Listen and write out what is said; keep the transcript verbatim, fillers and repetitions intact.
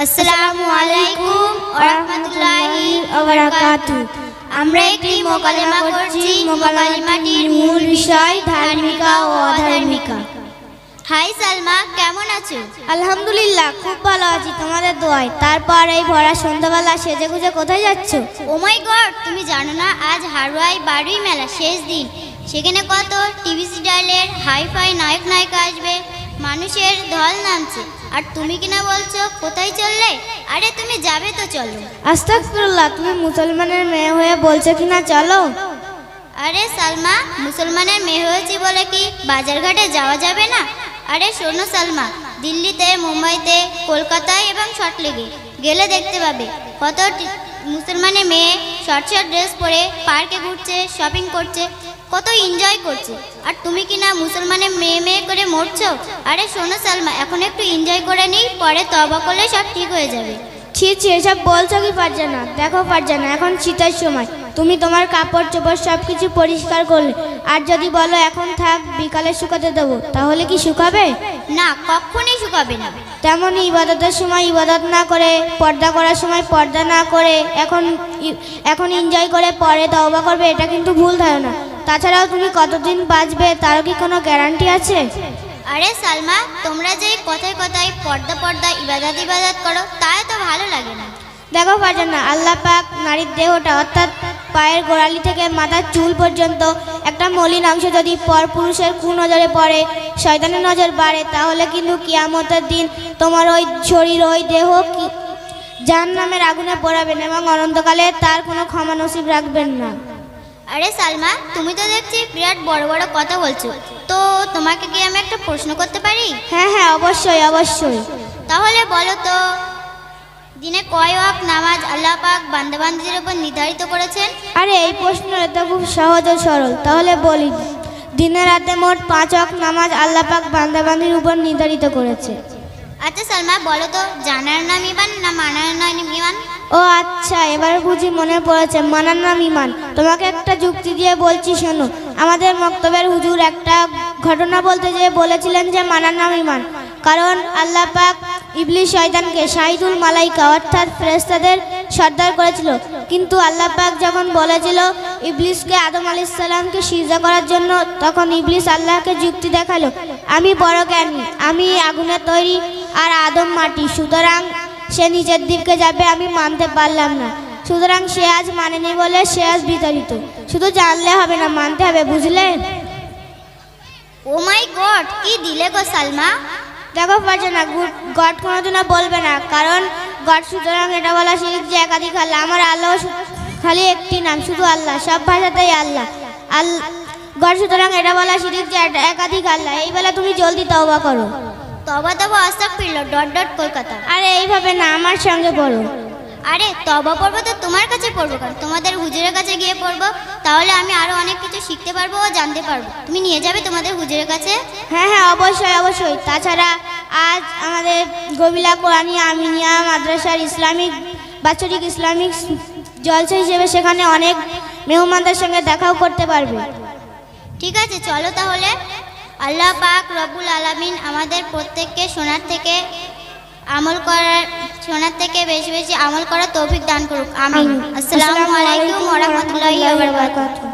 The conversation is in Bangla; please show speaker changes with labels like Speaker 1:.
Speaker 1: আসসালামু আলাইকুম ওয়া রাহমাতুল্লাহি ওয়া বারাকাতুহু। আমরা একটি মোকালেমা করছি। মোকালেমাটির মূল বিষয় ধার্মিকা ও অধার্মিকা। হাই সালমা, কেমন আছো?
Speaker 2: আলহামদুলিল্লাহ, খুব ভালো আছি তোমাদের দোয়ায়। তারপর এই ভরা সন্ধ্যাবেলা সেজে গুজে কোথায় যাচ্ছ?
Speaker 1: ও মাই গড, তুমি জানো না আজ হারোয়াই বারুই মেলা শেষ দিন। সেখানে কত টিভি সিরিয়ালের হাইফাই নায়ক নায়িকা আসবে, মানুষের ঢল নামছে, আর তুমি কিনা বলছো কোথায় চললে? আরে তুমি যাবে তো চলো।
Speaker 2: আস্তাগফিরুল্লাহ, তুমি মুসলমানের মেয়ে হয়ে বলছো কিনা চলো?
Speaker 1: আরে সালমা, মুসলমানের মেয়ে হয়েছি বলে কি বাজারঘাটে যাওয়া যাবে না? আরে শোনো সালমা, দিল্লিতে, মুম্বাইতে, কলকাতায় এবং সল্টলেকে গেলে দেখতে পাবে কত মুসলমানের মেয়ে শর্ট শর্ট ড্রেস পরে পার্কে ঘুরছে, শপিং করছে, কত এনজয় করছে, আর তুমি কিনা মুসলমানের মেয়ে মেয়ে করে মরছো। আরে শোনো সালমা, এখন একটু এনজয় করে নিই, পরে তওবা করলে সব ঠিক হয়ে যাবে।
Speaker 2: ছি ছি, এসব বলছো কি পারছে না? দেখো পারছে না, এখন শীতের সময়, তুমি তোমার কাপড় চোপড় সব কিছু পরিষ্কার করলে, আর যদি বলো এখন থাক বিকালে শুকাতে দেবো, তাহলে কি শুকাবে?
Speaker 1: না, কখনোই শুকাবে না।
Speaker 2: তেমনই ইবাদতের সময় ইবাদত না করে, পর্দা করার সময় পর্দা না করে, এখন এখন এনজয় করে পরে তওবা করবে, এটা কিন্তু ভুল ধারণা। তাছাড়াও তুমি কতদিন বাঁচবে তারও কি কোনো গ্যারান্টি আছে?
Speaker 1: আরে সালমা, তোমরা যে কথায় কথায় পর্দা পর্দা ইবাদত ইবাদত করো, তাই তো ভালো লাগে না।
Speaker 2: দেখো পারছেন না, আল্লাহ পাক নারীর দেহটা অর্থাৎ পায়ের গোড়ালি থেকে মাথার চুল পর্যন্ত একটা মলিন অংশ যদি পর পুরুষের কুনজরে পড়ে, শয়তানের নজর বাড়ে, তাহলে কিন্তু কিয়ামতের দিন তোমার ওই শরীর, ওই দেহ জাহান্নামের আগুনে পোড়াবেন এবং অনন্তকালে তার কোনো ক্ষমা নসিব রাখবেন না।
Speaker 1: আরে সালমা, তুমি তো দেখছি বিরাট বড় বড় কথা বলছো, তো তোমাকে কি আমি একটা প্রশ্ন করতে পারি?
Speaker 2: হ্যাঁ হ্যাঁ, অবশ্যই অবশ্যই।
Speaker 1: তাহলে বলো তো, দিনে কয় ওয়াক্ত নামাজ আল্লাহ পাক বান্দাবান্দিদের উপর নির্ধারিত করেছেন?
Speaker 2: আরে এই প্রশ্নটা তো খুব সহজ ও সরল। তাহলে বলি, দিনে রাতে মোট পাঁচ ওয়াক্ত নামাজ আল্লাহ পাক বান্দাবান্দির উপর নির্ধারিত করেছে।
Speaker 1: আচ্ছা সালমা, বলো তো, জানার নাম ইমান না মানার নাম ইমান?
Speaker 2: ও আচ্ছা, এবার বুঝি মনে পড়েছে, মানার নাম ইমান। তোমাকে একটা যুক্তি দিয়ে বলছি, শোনো। আমাদের মক্তবের হুজুর একটা ঘটনা বলতে যেয়ে বলেছিলেন যে মানার নাম ইমান, কারণ আল্লাহ পাক ইবলিস শয়তানকে শাহিদুল মালাইকা অর্থাৎ ফেরেশতাদের সর্দার করেছিল, কিন্তু আল্লাহ পাক যখন বলেছিল ইবলিসকে আদম আলাইহিস সালামকে সিজদা করার জন্য, তখন ইবলিস আল্লাহকে যুক্তি দেখালো, আমি বড় জ্ঞানী, আমি আগুনের তৈরি আর আদম মাটি, সুতরাং সে নিচের দিকে যাবে, আমি মানতে পারলাম না। সুতরাং সে আজ মানেনি বলে সে আজ বিতাড়িত। শুধু জানলে হবে না, মানতে হবে, বুঝলেন?
Speaker 1: ও মাই গড, কি দিলে গো সালমা।
Speaker 2: দেখো পারছে না, গড কোনোদিনও বলবে না, কারণ গড, সুতরাং এটা বলা শিরিক যে একাধিক আল্লাহ। আমার আল্লাহ খালি একটি নাম, শুধু আল্লাহ, সব ভাষাতেই আল্লাহ আল্লাহ গড, সুতরাং এটা বলা শিরিক যে একাধিক আল্লাহ। এই বেলা তুমি জলদি তওবা করো।
Speaker 1: তবা তবা আস্তাগফিরুল্লাহ ডট ডট কলকাতা।
Speaker 2: আরে এইভাবে না, আমার সঙ্গে পড়ো।
Speaker 1: আরে তবা পড়বো তো তোমার কাছে পড়বো কেন? তোমাদের হুজুরের কাছে গিয়ে পড়বো, তাহলে আমি আরো অনেক কিছু শিখতে পারবো ও জানতে পারবো। তুমি নিয়ে যাবে তোমাদের হুজুরের কাছে?
Speaker 2: হ্যাঁ হ্যাঁ, অবশ্যই অবশ্যই। তাছাড়া আজ আমাদের গবিলা কোরআনিয়া আমিনিয়া মাদ্রাসার ইসলামিক বাৎসরিক ইসলামিক জলসা হিসেবে সেখানে অনেক মেহমানদের সঙ্গে দেখাও করতে পারবে।
Speaker 1: ঠিক আছে, চলো তাহলে। আল্লাহ পাক রব্বুল আলামিন আমাদের প্রত্যেককে শোনার থেকে আমল করার শোনার থেকে বেশি বেশি আমল করার তৌফিক দান করুক, আমিন। আসসালামু আলাইকুম ওয়া রাহমাতুল্লাহি ওয়া বারাকাতুহু।